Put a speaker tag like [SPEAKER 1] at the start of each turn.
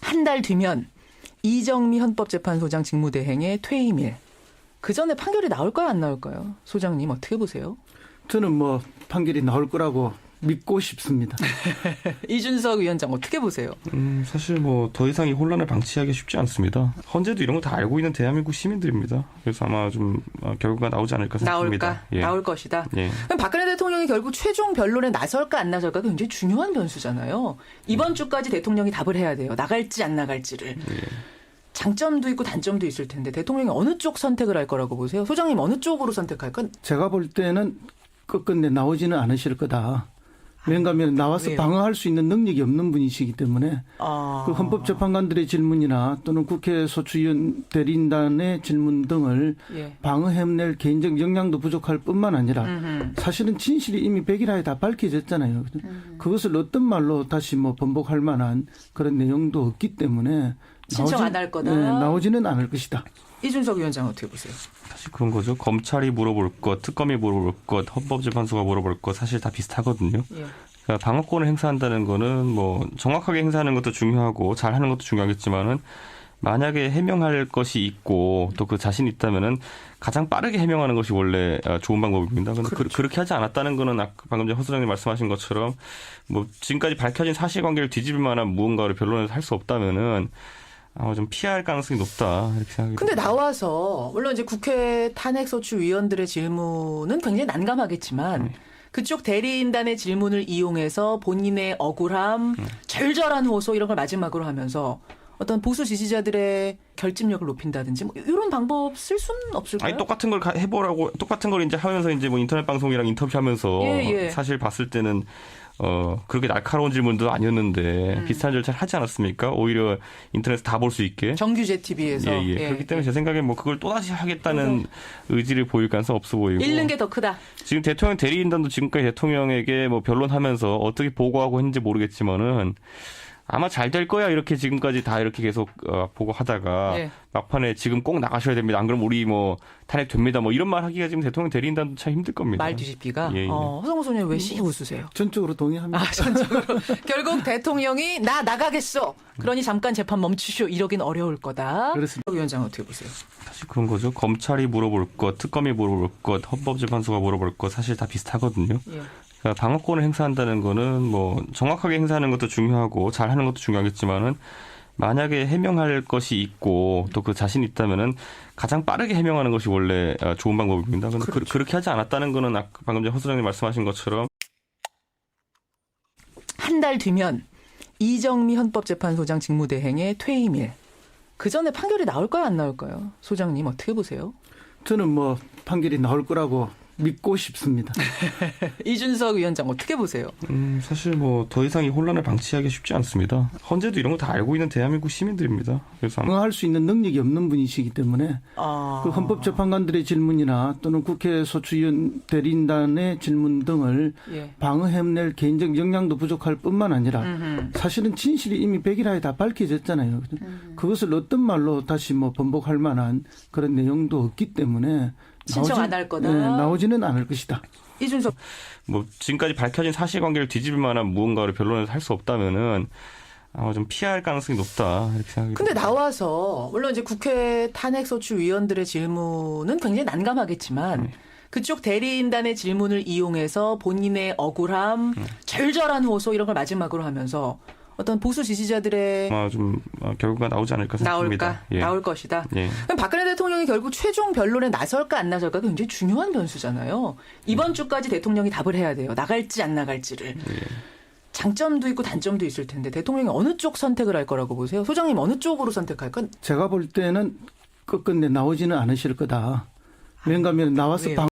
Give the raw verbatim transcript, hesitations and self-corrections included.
[SPEAKER 1] 한 달 뒤면 이정미 헌법재판소장 직무대행의 퇴임일. 그 전에 판결이 나올까요, 안 나올까요? 소장님 어떻게 보세요?
[SPEAKER 2] 저는 뭐 판결이 나올 거라고 믿고 싶습니다.
[SPEAKER 1] 이준석 위원장 어떻게 보세요?
[SPEAKER 3] 음, 사실 뭐 더 이상 이 혼란을 방치하기 쉽지 않습니다. 헌재도 이런 거 다 알고 있는 대한민국 시민들입니다. 그래서 아마 좀 결과가 나오지 않을까 생각합니다.
[SPEAKER 1] 나올까?
[SPEAKER 3] 예.
[SPEAKER 1] 나올 것이다.
[SPEAKER 3] 예.
[SPEAKER 1] 그럼 박근혜 대통령이 결국 최종 변론에 나설까 안 나설까 굉장히 중요한 변수잖아요. 이번 예. 주까지 대통령이 답을 해야 돼요. 나갈지 안 나갈지를.
[SPEAKER 3] 예.
[SPEAKER 1] 장점도 있고 단점도 있을 텐데 대통령이 어느 쪽 선택을 할 거라고 보세요? 소장님 어느 쪽으로 선택할까?
[SPEAKER 2] 제가 볼 때는 끝끝내 나오지는 않으실 거다. 왜냐하면 나와서
[SPEAKER 1] 왜요?
[SPEAKER 2] 방어할 수 있는 능력이 없는 분이시기 때문에
[SPEAKER 1] 아...
[SPEAKER 2] 그 헌법재판관들의 질문이나 또는 국회 소추위원 대리인단의 질문 등을
[SPEAKER 1] 예.
[SPEAKER 2] 방어해낼 개인적 역량도 부족할 뿐만 아니라
[SPEAKER 1] 음흠.
[SPEAKER 2] 사실은 진실이 이미 백일하에 다 밝혀졌잖아요.
[SPEAKER 1] 음흠.
[SPEAKER 2] 그것을 어떤 말로 다시 뭐 번복할 만한 그런 내용도 없기 때문에
[SPEAKER 1] 신청 안 할 거다.
[SPEAKER 2] 네, 나오지는 않을 것이다.
[SPEAKER 1] 이준석 위원장 어떻게 보세요?
[SPEAKER 3] 사실 그런 거죠. 검찰이 물어볼 것, 특검이 물어볼 것, 헌법재판소가 물어볼 것 사실 다 비슷하거든요. 예. 그러니까 방어권을 행사한다는 거는 뭐 정확하게 행사하는 것도 중요하고 잘하는 것도 중요하겠지만은 만약에 해명할 것이 있고 또 그 자신이 있다면은 가장 빠르게 해명하는 것이 원래 좋은 방법입니다. 그런데 그렇죠. 그렇게 하지 않았다는 거는 아까 방금 전에 허 소장님 말씀하신 것처럼 뭐 지금까지 밝혀진 사실관계를 뒤집을 만한 무언가를 변론에서 할 수 없다면은 아마 좀 피할 가능성이 높다 이렇게 생각이.
[SPEAKER 1] 근데 나와서 물론 이제 국회 탄핵소추위원들의 질문은 굉장히 난감하겠지만 네. 그쪽 대리인단의 질문을 이용해서 본인의 억울함, 네. 절절한 호소 이런 걸 마지막으로 하면서 어떤 보수 지지자들의 결집력을 높인다든지 뭐 이런 방법 쓸 수는 없을까요?
[SPEAKER 3] 아니 똑같은 걸 해보라고 똑같은 걸 이제 하면서 이제 뭐 인터넷 방송이랑 인터뷰하면서
[SPEAKER 1] 예, 예.
[SPEAKER 3] 사실 봤을 때는. 어, 그렇게 날카로운 질문도 아니었는데
[SPEAKER 1] 음.
[SPEAKER 3] 비슷한 절차를 하지 않았습니까? 오히려 인터넷에서 다 볼 수 있게.
[SPEAKER 1] 정규제 티비에서.
[SPEAKER 3] 예, 예.
[SPEAKER 1] 예,
[SPEAKER 3] 그렇기 때문에
[SPEAKER 1] 예.
[SPEAKER 3] 제 생각에 뭐 그걸 또다시 하겠다는 어. 의지를 보일 가능성이 없어 보이고.
[SPEAKER 1] 잃는 게 더 크다.
[SPEAKER 3] 지금 대통령 대리인단도 지금까지 대통령에게 뭐 변론하면서 어떻게 보고하고 했는지 모르겠지만은 아마 잘 될 거야 이렇게 지금까지 다 이렇게 계속 어, 보고하다가 네. 막판에 지금 꼭 나가셔야 됩니다. 안 그러면 우리 뭐 탄핵됩니다. 뭐 이런 말 하기가 지금 대통령 대리인단도 참 힘들 겁니다.
[SPEAKER 1] 말 뒤집기가.
[SPEAKER 3] 예, 예.
[SPEAKER 1] 어, 허성호 소장님 왜 씩 웃으세요?
[SPEAKER 2] 전적으로 동의합니다.
[SPEAKER 1] 아, 전적으로. 결국 대통령이 나 나가겠어. 그러니 잠깐 재판 멈추시오. 이러긴 어려울 거다.
[SPEAKER 2] 그렇습니다.
[SPEAKER 1] 위원장 어떻게 보세요?
[SPEAKER 3] 사실 그런 거죠. 검찰이 물어볼 것, 특검이 물어볼 것, 헌법재판소가 물어볼 것 사실 다 비슷하거든요. 예. 그러니까 방어권을 행사한다는 거는 뭐 정확하게 행사하는 것도 중요하고 잘하는 것도 중요하겠지만은 만약에 해명할 것이 있고 또 그 자신이 있다면은 가장 빠르게 해명하는 것이 원래 좋은 방법입니다. 그런데 그렇죠. 그렇게 하지 않았다는 거는 아까 방금 전에 허 소장님 말씀하신 것처럼
[SPEAKER 1] 한 달 뒤면 이정미 헌법재판소장 직무대행의 퇴임일. 그 전에 판결이 나올까요, 안 나올까요? 소장님 어떻게 보세요?
[SPEAKER 2] 저는 뭐 판결이 나올 거라고 믿고 싶습니다.
[SPEAKER 1] 이준석 위원장 어떻게 보세요?
[SPEAKER 3] 음, 사실 뭐 더 이상 이 혼란을 방치하기 쉽지 않습니다. 헌재도 이런 거 다 알고 있는 대한민국 시민들입니다. 그래서 아마
[SPEAKER 2] 방어할 수 있는 능력이 없는 분이시기 때문에 아... 그 헌법재판관들의 질문이나 또는 국회 소추위원 대리인단의 질문 등을 예. 방어해낼 개인적 역량도 부족할 뿐만 아니라 음흠. 사실은 진실이 이미 백일하에 다 밝혀졌잖아요. 음. 그것을 어떤 말로 다시 뭐 번복할 만한 그런 내용도 없기 때문에
[SPEAKER 1] 신청 안 할 거다.
[SPEAKER 2] 네, 나오지는 않을 것이다.
[SPEAKER 1] 이준석.
[SPEAKER 3] 뭐 지금까지 밝혀진 사실관계를 뒤집을 만한 무언가를 변론에서 할 수 없다면은 아마 좀 피할 가능성이 높다 이렇게 생각이.
[SPEAKER 1] 근데 나와서 물론 이제 국회 탄핵소추위원들의 질문은 굉장히 난감하겠지만 네. 그쪽 대리인단의 질문을 이용해서 본인의 억울함, 네. 절절한 호소 이런 걸 마지막으로 하면서. 어떤 보수 지지자들의
[SPEAKER 3] 아마 좀 결과가 나오지 않을까 생각합니다.
[SPEAKER 1] 나올까?
[SPEAKER 3] 예.
[SPEAKER 1] 나올 것이다.
[SPEAKER 3] 예.
[SPEAKER 1] 그럼 박근혜 대통령이 결국 최종 변론에 나설까 안 나설까 굉장히 중요한 변수잖아요. 이번 예. 주까지 대통령이 답을 해야 돼요. 나갈지 안 나갈지를. 예. 장점도 있고 단점도 있을 텐데 대통령이 어느 쪽 선택을 할 거라고 보세요? 소장님 어느 쪽으로 선택할까?
[SPEAKER 2] 제가 볼 때는 끝끝내 나오지는 않으실 거다. 왜냐하면 나와서 방